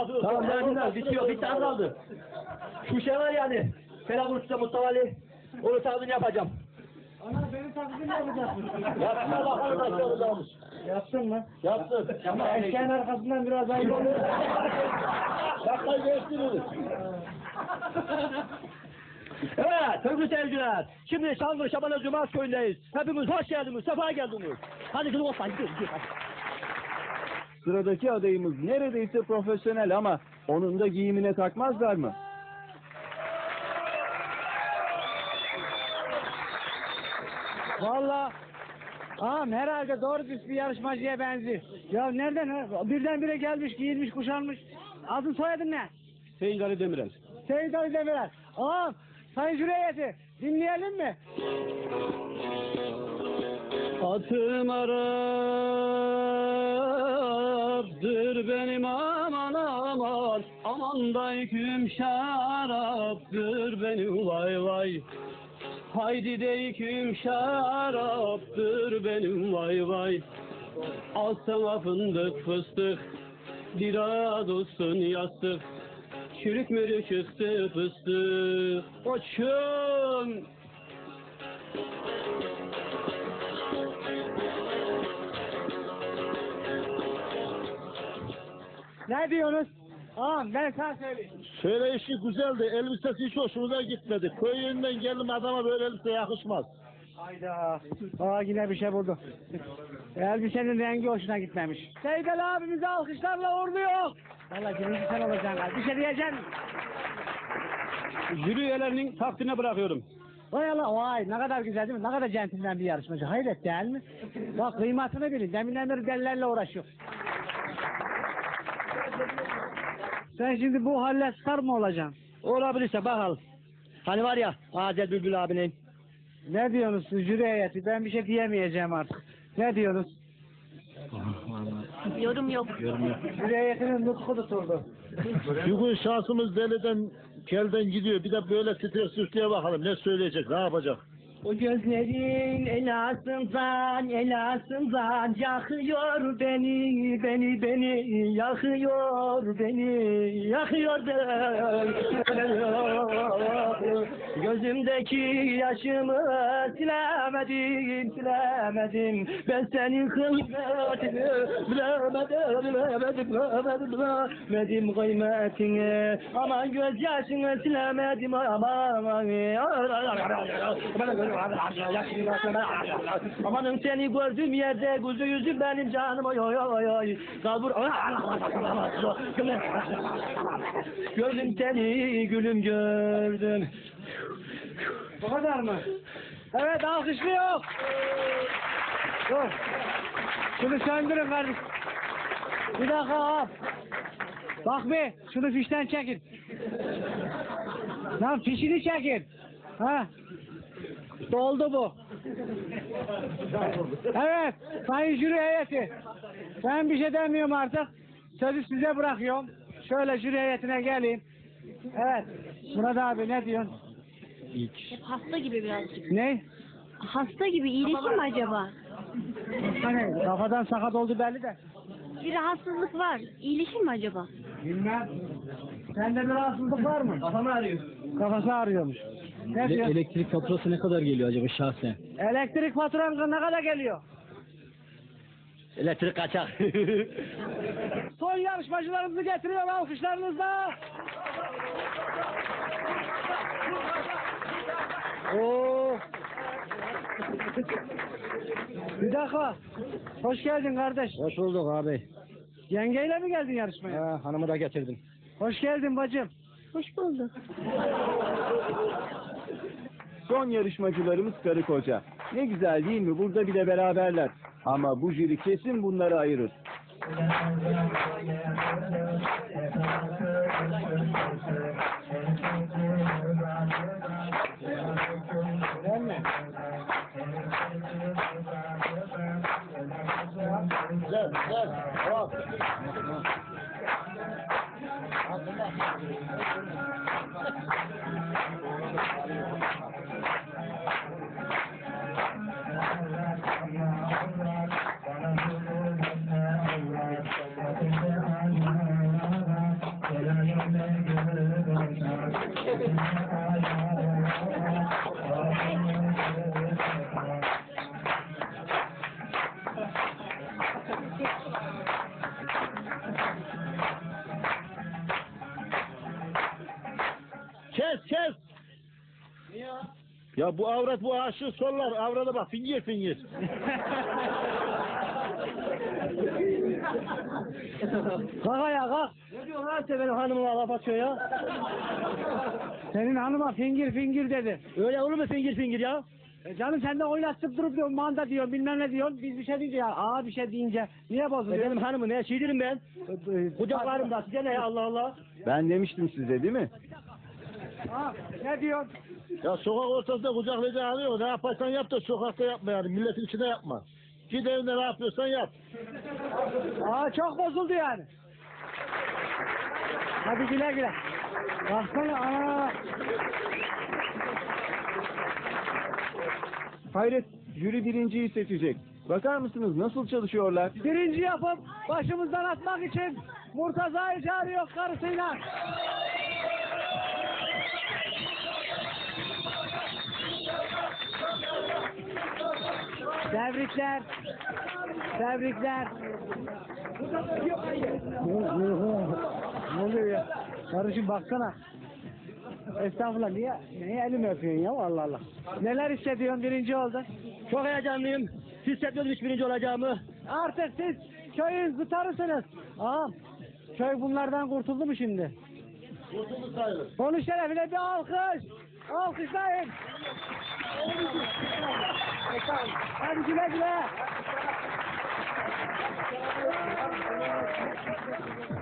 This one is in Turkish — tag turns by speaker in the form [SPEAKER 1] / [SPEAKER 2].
[SPEAKER 1] Tamam verdiler bitiyor. Bir tane kaldı. Şu şey var yani. Selam Usta Mustafa Ali. Onu tarzını yapacağım.
[SPEAKER 2] Ana benim taklidimi yapacaksın.
[SPEAKER 1] Yapsınlar bakalım nasıl olacakmış.
[SPEAKER 2] Yaptın mı?
[SPEAKER 1] Yapsın.
[SPEAKER 2] Ama eşeğin arkasından biraz ayıp olur.
[SPEAKER 1] Dakikayı geçtiniz. Evet sevgili seyirciler. Şimdi Şanlı Şaban'a Cumaz köyündeyiz. Hepimiz hoş geldiniz, sefa geldiniz. Hadi kızım olsan gidiyoruz.
[SPEAKER 3] Sıradaki adayımız neredeyse profesyonel ama onun da giyimine takmazlar mı?
[SPEAKER 2] Valla herhalde doğru düz bir yarışmacıya benziyor. Ya nereden ha? Birdenbire gelmiş, giyinmiş, kuşanmış. Adın soyadın ne?
[SPEAKER 3] Seyit Ali Demirel.
[SPEAKER 2] Seyit Ali Demirel. Sayın jüri heyeti dinleyelim mi?
[SPEAKER 3] Atım Arap'dır benim aman aman, aman da yüküm şaraptır benim vay vay. Haydi de yüküm şaraptır benim vay vay. Al sana fındık fıstık, biraz olsun yastık. Çürük mürük çıktı fıstık, koçum.
[SPEAKER 2] Ne diyorsunuz? Ben sana söyleyeyim.
[SPEAKER 1] Söyleyişi güzeldi, elbisesi hiç hoşumuza gitmedi. Köy yönünden geldim adama böyle elbise yakışmaz.
[SPEAKER 2] Hayda. Yine bir şey buldu. Elbisenin rengi hoşuna gitmemiş. Seyit Ali abimizi alkışlarla uğurluyor. Vallahi birinci sen olacaksın galiba. Bir şey diyeceksin.
[SPEAKER 3] Jüri üyelerinin takdirine bırakıyorum.
[SPEAKER 2] Vay Allah vay ne kadar güzel değil mi? Ne kadar centilmen bir yarışmacı. Hayret değil mi? Bak kıymetini bilin. Deminden beri delilerle uğraşıyor. Sen şimdi bu halle star mı olacaksın?
[SPEAKER 1] Olabilirse bakalım. Hani var ya Azel Bülbül abinin.
[SPEAKER 2] Ne diyorsunuz jüri heyeti? Ben bir şey diyemeyeceğim artık. Ne diyorsunuz?
[SPEAKER 4] Yorum yok.
[SPEAKER 2] Jüri heyetinin nutku tutuldu.
[SPEAKER 1] Bugün şansımız deliden kelden gidiyor. Bir de böyle titre süsleye bakalım. Ne söyleyecek, ne yapacak?
[SPEAKER 4] O gözlerin elasından yakıyor beni yakıyor beni gözümdeki yaşımı silemedim ben senin kıymetini bilemedim kıymetini aman gözyaşını silemedim aman amanın seni gördüğüm yerde kuzu yüzüm benim canım oy oy oy oy kalbur gördüm seni gülüm gördüm.
[SPEAKER 2] Bu kadar mı? Evet alkışlıyor. Dur. Şunu söndürün kardeşim. Bir dakika. Bak bir şunu fişten çekin. Lan fişini çekin. Ha? Doldu bu. Evet, sayın jüri heyeti. Ben bir şey demiyorum artık. Sözü size bırakıyorum. Şöyle jüri heyetine geleyim. Evet, Murat abi ne diyorsun?
[SPEAKER 4] Hasta gibi birazcık.
[SPEAKER 2] Ne?
[SPEAKER 4] Hasta gibi iyileşir mi acaba?
[SPEAKER 2] Hani kafadan sakat oldu belli de.
[SPEAKER 4] Bir rahatsızlık var. İyileşir mi acaba?
[SPEAKER 2] Bilmem. Sende bir rahatsızlık var mı?
[SPEAKER 1] Kafamı ağrıyor.
[SPEAKER 2] Kafası ağrıyormuş. Ne diyorsun?
[SPEAKER 3] Elektrik faturası ne kadar geliyor acaba şahsen?
[SPEAKER 2] Elektrik faturan ne kadar geliyor?
[SPEAKER 1] Elektrik kaçak.
[SPEAKER 2] Son yarışmacılarımızı getiriyor alkışlarınızla. Oo. Bir dakika. Hoş geldin kardeş.
[SPEAKER 3] Hoş bulduk abi.
[SPEAKER 2] Yengeyle mi geldin yarışmaya?
[SPEAKER 3] Hanımı da getirdim.
[SPEAKER 2] Hoş geldin bacım.
[SPEAKER 4] Hoş bulduk.
[SPEAKER 3] Son yarışmacılarımız karı koca. Ne güzel değil mi? Burada bile beraberler. Ama bu jüri kesin bunları ayırır.
[SPEAKER 2] Değil mi?
[SPEAKER 1] Gel, gel. Hop. Kes. Ya bu avrat bu aşığı sollar. Avrada bak fingir.
[SPEAKER 2] Kalk ayağa kalk.
[SPEAKER 1] Ne diyorsun lan sen benim hanımıma laf atıyor ya?
[SPEAKER 2] Senin hanıma fingir dedi.
[SPEAKER 1] Öyle olur mu fingir ya?
[SPEAKER 2] Canım sen de oynatıp durup diyorsun, manda diyorsun, bilmem ne diyorsun. Biz bir şey deyince ya, bir şey deyince niye bozuluyor?
[SPEAKER 1] Benim hanımı ne şeydirim ben? Kucaklarımda size ne ya Allah Allah?
[SPEAKER 3] Ben demiştim size değil mi?
[SPEAKER 2] Ne diyorsun?
[SPEAKER 1] Ya sokak ortasında kucaklayıcı alıyor. Ne yaparsan yap da sokakta yapma yani. Milletin içinde yapma. Git evinde ne yapıyorsan yap.
[SPEAKER 2] Çok bozuldu yani. Hadi güle. Baksana
[SPEAKER 3] Hayret, jüri birinciyi seçecek. Bakar mısınız nasıl çalışıyorlar?
[SPEAKER 2] Birinci yapıp başımızdan atmak için Murtaza'yı çağırıyor karısıyla. Tebrikler. Ne oluyor ya? Karıcığım baksana. Estağfurullah, niye elimi öpüyorsun ya, Allah Allah. Neler hissediyorsun, birinci oldun?
[SPEAKER 1] Çok heyecanlıyım. Hissetmiyorum hiç birinci olacağımı.
[SPEAKER 2] Artık siz köyün zıtarısınız. Ağam, köy bunlardan kurtuldu mu şimdi?
[SPEAKER 1] Kurtuldu sayılır.
[SPEAKER 2] Onun şerefine bir alkış. Alkışlayın. Hadi güle.